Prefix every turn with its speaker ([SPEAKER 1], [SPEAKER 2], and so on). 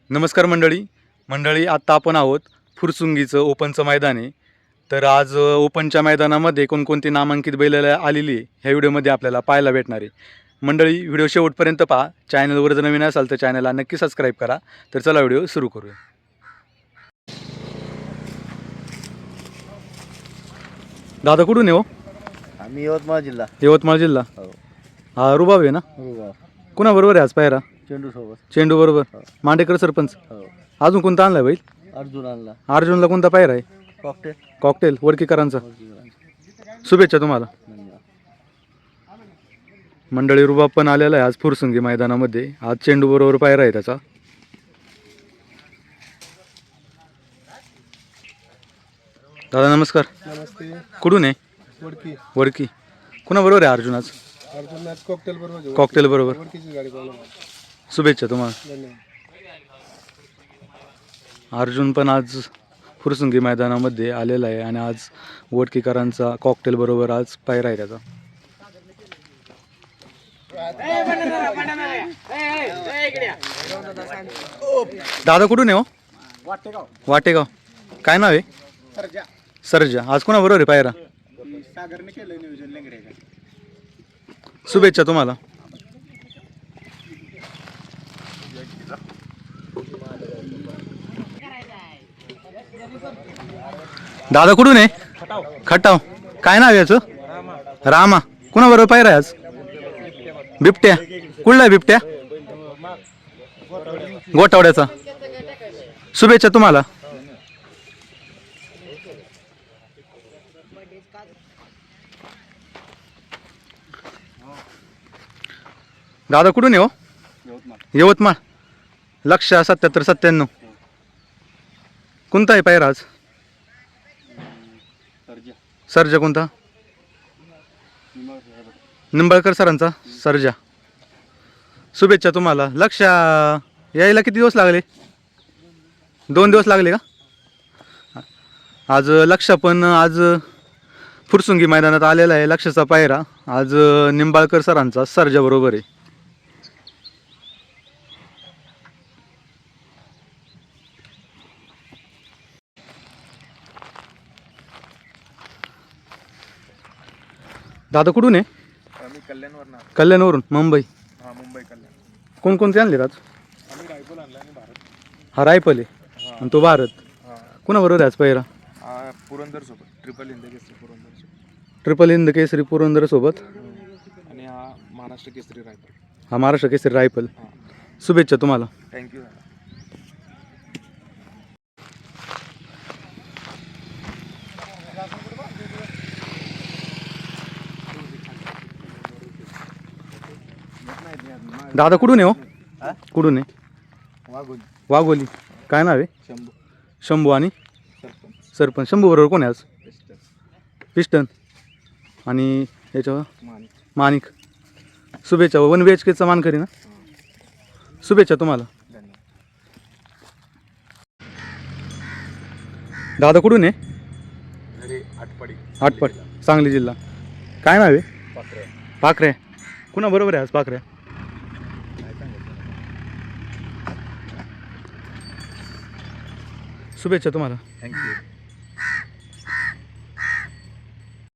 [SPEAKER 1] नमस्कार मंडळी आत्ता आपण आहोत फुरसुंगीचं ओपनचं मैदान आहे. तर आज ओपनच्या मैदानामध्ये कोणकोणती नामांकित बैल आलेली आहे ह्या व्हिडिओमध्ये आपल्याला पाहायला भेटणार आहे. मंडळी व्हिडिओ शेवटपर्यंत पहा. चॅनलवर जर नवीन असाल तर चॅनलला नक्की सबस्क्राईब करा. तर चला व्हिडिओ सुरू करूया. दादा कुठून आहे हो?
[SPEAKER 2] आम्ही यवतमाळ जिल्हा.
[SPEAKER 1] यवतमाळ जिल्हा.
[SPEAKER 2] हो.
[SPEAKER 1] हा रुबाब आहे ना?
[SPEAKER 2] हो.
[SPEAKER 1] कुणाबरोबर आहे आज पायरा?
[SPEAKER 2] चेंडू सोबत.
[SPEAKER 1] चेंडू बरोबर.
[SPEAKER 2] हो.
[SPEAKER 1] मांडेकर सरपंच.
[SPEAKER 2] हो.
[SPEAKER 1] अजून कोणता आणलाय बैल?
[SPEAKER 2] अर्जुन आणला.
[SPEAKER 1] अर्जुनला कोणता पायरा आहे?
[SPEAKER 2] कॉकटेल.
[SPEAKER 1] कॉकटेल वडकीकरांचा. शुभेच्छा तुम्हाला.
[SPEAKER 2] धन्यवाद.
[SPEAKER 1] मंडळी रुबाब पण आलेला आहे आज फुरसुंगी मैदानामध्ये. आज चेंडू बरोबर पायरा आहे त्याचा. दादा नमस्कार.
[SPEAKER 2] नमस्ते.
[SPEAKER 1] कुठून आहे?
[SPEAKER 2] वडकी.
[SPEAKER 1] वडकी. कुणाबरोबर आहे अर्जुन आज?
[SPEAKER 2] अर्जुन आज कॉकटेल बरोबर.
[SPEAKER 1] कॉकटेल बरोबर.
[SPEAKER 2] वडकीची गाडी पळवली.
[SPEAKER 1] शुभेच्छा तुम्हाला.
[SPEAKER 2] धन्यवाद.
[SPEAKER 1] अर्जुन पण आज फुरसुंगी मैदानामध्ये आलेला आहे आणि आज वडकीकरांचा कॉकटेल बरोबर आज पायरा आहे त्याचा. दादा कुठून आहे हो?
[SPEAKER 2] वाटेगाव.
[SPEAKER 1] वाटेगाव. काय नाव आहे?
[SPEAKER 2] सरजा.
[SPEAKER 1] सरजा. आज कोणाबरोबर आहे पायरा?
[SPEAKER 2] सागरने केलं नियोजन लेंगड्याचं.
[SPEAKER 1] शुभेच्छा तुम्हाला. दादा कुठून आहे? खटाव. काय नाव आहे याचं? रामा. कुणाबरोबर पायरा आहे आज? बिबट्या. कुठला आहे बिबट्या? गोटावड्याचा. शुभेच्छा तुम्हाला. दादा कुठून आहे हो? यवतमाळ. लक्ष 77-97. कोणता आहे पायरा आज? सर्जा. कोणता? निंबाळकर सरांचा सर्जा. शुभेच्छा तुम्हाला. लक्ष यायला किती दिवस लागले? 2 दिवस लागले का? आज लक्ष पण आज फुरसुंगी मैदानात आलेला आहे. लक्षाचा पायरा आज निंबाळकर सरांचा सर्जा बरोबर आहे. दादा कुठून आहे?
[SPEAKER 2] आम्ही कल्याणवरून.
[SPEAKER 1] कल्याणवरून. मुंबई.
[SPEAKER 2] हा, मुंबई कल्याण.
[SPEAKER 1] कोणकोणते आणले आज?
[SPEAKER 2] आम्ही रायफल आणला आणि भारत.
[SPEAKER 1] हा रायफल आहे आणि तो भारत. कुणाबरोबर आहे आज पायरा?
[SPEAKER 2] पुरंदर सोबत. ट्रिपल हिंद केसरी पुरंदर सोबत.
[SPEAKER 1] ट्रिपल हिंद केसरी पुरंदर सोबत.
[SPEAKER 2] आणि हा महाराष्ट्र केसरी रायफल.
[SPEAKER 1] हा महाराष्ट्र केसरी रायफल.
[SPEAKER 2] हां.
[SPEAKER 1] शुभेच्छा तुम्हाला.
[SPEAKER 2] थँक्यू.
[SPEAKER 1] दादा कुठून आहे हो? कुठून आहे?
[SPEAKER 2] वाघोली.
[SPEAKER 1] वाघोली. काय नाव आहे?
[SPEAKER 2] शंभू.
[SPEAKER 1] शंभू. आणि
[SPEAKER 2] सरपंच.
[SPEAKER 1] सरपंच. शंभू बरोबर कोण आहे आज?
[SPEAKER 2] पेस्टर.
[SPEAKER 1] पिस्टन. आणि याच्यावर
[SPEAKER 2] मानिक.
[SPEAKER 1] माणिक. शुभेच्छा. 1 BHKचा मानकरी ना. शुभेच्छा तुम्हाला.
[SPEAKER 2] धन्यवाद.
[SPEAKER 1] दादा कुठून आहे?
[SPEAKER 2] घरी आटपाडी.
[SPEAKER 1] आटपाड. सांगली जिल्हा. काय नाव आहे?
[SPEAKER 2] पाकऱ्या.
[SPEAKER 1] पाखऱ्या. कुणा बरोबर आहे आज पाखऱ्या?
[SPEAKER 2] काय सांगायचं?
[SPEAKER 1] शुभेच्छा तुम्हाला.
[SPEAKER 2] थँक्यू.